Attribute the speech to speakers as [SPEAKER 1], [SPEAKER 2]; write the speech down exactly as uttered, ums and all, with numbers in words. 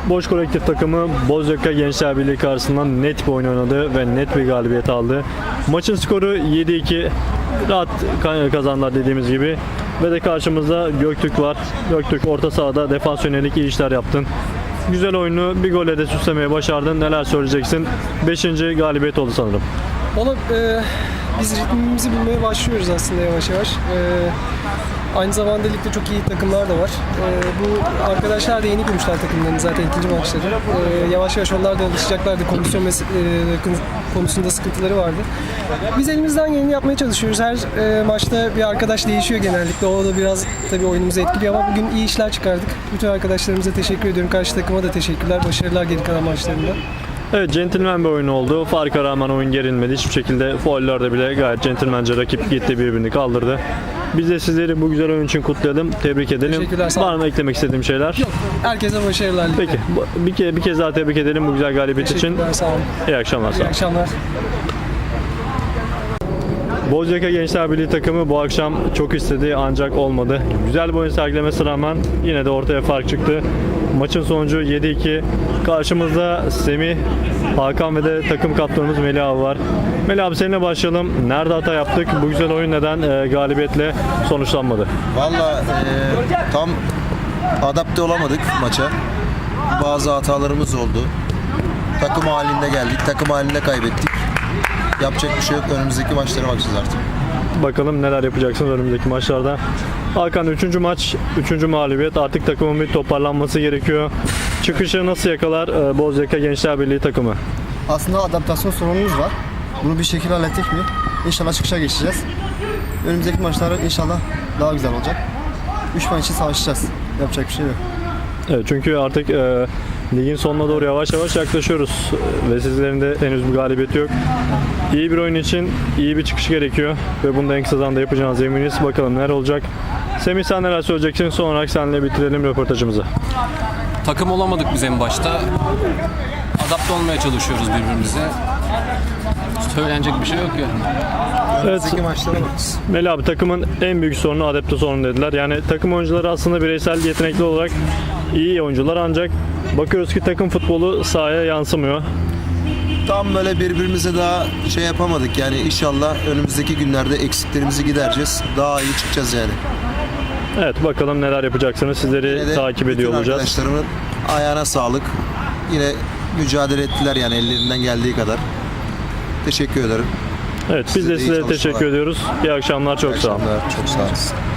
[SPEAKER 1] Boş Kolektif takımı Bozyaka Gençler Birliği karşısında net bir oyun oynadı ve net bir galibiyet aldı. Maçın skoru yedi iki. Rahat kazandılar dediğimiz gibi. Ve de karşımızda Göktürk var. Göktürk orta sahada defans yönelik iyi işler yaptın. Güzel oyunu bir golle de süslemeye başardın. Neler söyleyeceksin? beşinci galibiyet oldu sanırım.
[SPEAKER 2] Valla e, biz ritmimizi bulmaya başlıyoruz aslında yavaş yavaş. E, aynı zamanda ligde çok iyi takımlar da var. E, bu arkadaşlar da yeni kurmuşlar takımlarını zaten ikinci maçları. E, yavaş yavaş onlar da alışacaklardı. Kondisyon mes- e, konusunda sıkıntıları vardı. Biz elimizden geleni yapmaya çalışıyoruz. Her e, maçta bir arkadaş değişiyor genellikle. O da biraz tabii oyunumuzu etkiliyor ama bugün iyi işler çıkardık. Bütün arkadaşlarımıza teşekkür ediyorum. Karşı takıma da teşekkürler. Başarılar geri kalan maçlarında.
[SPEAKER 1] Evet, centilmen bir oyun oldu. Farka rağmen oyun gerilmedi. Hiçbir şekilde faullerde bile gayet centilmence rakip gitti, birbirini kaldırdı. Biz de sizleri bu güzel oyun için kutlayalım, tebrik edelim.
[SPEAKER 2] Teşekkürler, sağ olun.
[SPEAKER 1] Var mı eklemek istediğim şeyler?
[SPEAKER 2] Yok. Herkese başarılar. ligde.
[SPEAKER 1] Peki, bu- bir kez, bir kez daha tebrik edelim bu güzel galibiyet için.
[SPEAKER 2] Teşekkürler, sağ olun.
[SPEAKER 1] İyi akşamlar. Sağ
[SPEAKER 2] İyi
[SPEAKER 1] olun.
[SPEAKER 2] akşamlar.
[SPEAKER 1] Bozyaka Gençler Birliği takımı bu akşam çok istedi ancak olmadı. Güzel bir oyun sergilemesine rağmen yine de ortaya fark çıktı. Maçın sonucu yedi iki. Karşımızda Semih, Hakan ve de takım kaptanımız Melih abi var. Melih abi, seninle başlayalım. Nerede hata yaptık? Bu güzel oyun neden e, galibiyetle sonuçlanmadı?
[SPEAKER 3] Valla e, tam adapte olamadık maça. Bazı hatalarımız oldu. Takım halinde geldik, takım halinde kaybettik. Yapacak bir şey yok. Önümüzdeki maçlara bakacağız artık.
[SPEAKER 1] Bakalım neler yapacaksınız önümüzdeki maçlarda. Hakan, üçüncü maç, üçüncü mağlubiyet. Artık takımın bir toparlanması gerekiyor. Çıkışı nasıl yakalar e, Bozyaka Gençler Birliği takımı?
[SPEAKER 4] Aslında adaptasyon sorunumuz var. Bunu bir şekilde hallettik mi? İnşallah çıkışa geçeceğiz. Önümüzdeki maçlar inşallah daha güzel olacak. üç maç için savaşacağız. Yapacak bir şey yok.
[SPEAKER 1] Evet, çünkü artık e, ligin sonuna doğru yavaş yavaş yaklaşıyoruz ve sizlerin de henüz bir galibiyeti yok. İyi bir oyun için iyi bir çıkış gerekiyor ve bunu da en kısa zamanda yapacağınız eminiz. Bakalım neler olacak. Semih, sen neler söyleyeceksin? Son olarak seninle bitirelim röportajımızı.
[SPEAKER 5] Takım olamadık biz en başta. Adapte olmaya çalışıyoruz birbirimize. Söylenecek bir şey yok yani.
[SPEAKER 3] Önümüzdeki maçlara bakacağız.
[SPEAKER 1] Melih abi, takımın en büyük sorunu adapte sorunu dediler. Yani takım oyuncuları aslında bireysel yetenekli olarak iyi oyuncular ancak bakıyoruz ki takım futbolu sahaya yansımıyor.
[SPEAKER 3] Tam böyle birbirimize daha şey yapamadık. Yani inşallah önümüzdeki günlerde eksiklerimizi gidereceğiz. Daha iyi çıkacağız yani.
[SPEAKER 1] Evet, bakalım neler yapacaksınız. Sizleri
[SPEAKER 3] Yine de
[SPEAKER 1] takip ediyor
[SPEAKER 3] bütün
[SPEAKER 1] olacağız.
[SPEAKER 3] arkadaşlarımın ayağına sağlık. Yine mücadele ettiler yani ellerinden geldiği kadar. Teşekkür ederim.
[SPEAKER 1] Evet, biz
[SPEAKER 3] Size
[SPEAKER 1] de
[SPEAKER 3] de iyi
[SPEAKER 1] size
[SPEAKER 3] çalışmalar.
[SPEAKER 1] teşekkür ediyoruz. İyi akşamlar, çok
[SPEAKER 3] İyi
[SPEAKER 1] sağ olun.
[SPEAKER 3] akşamlar, çok sağ olun.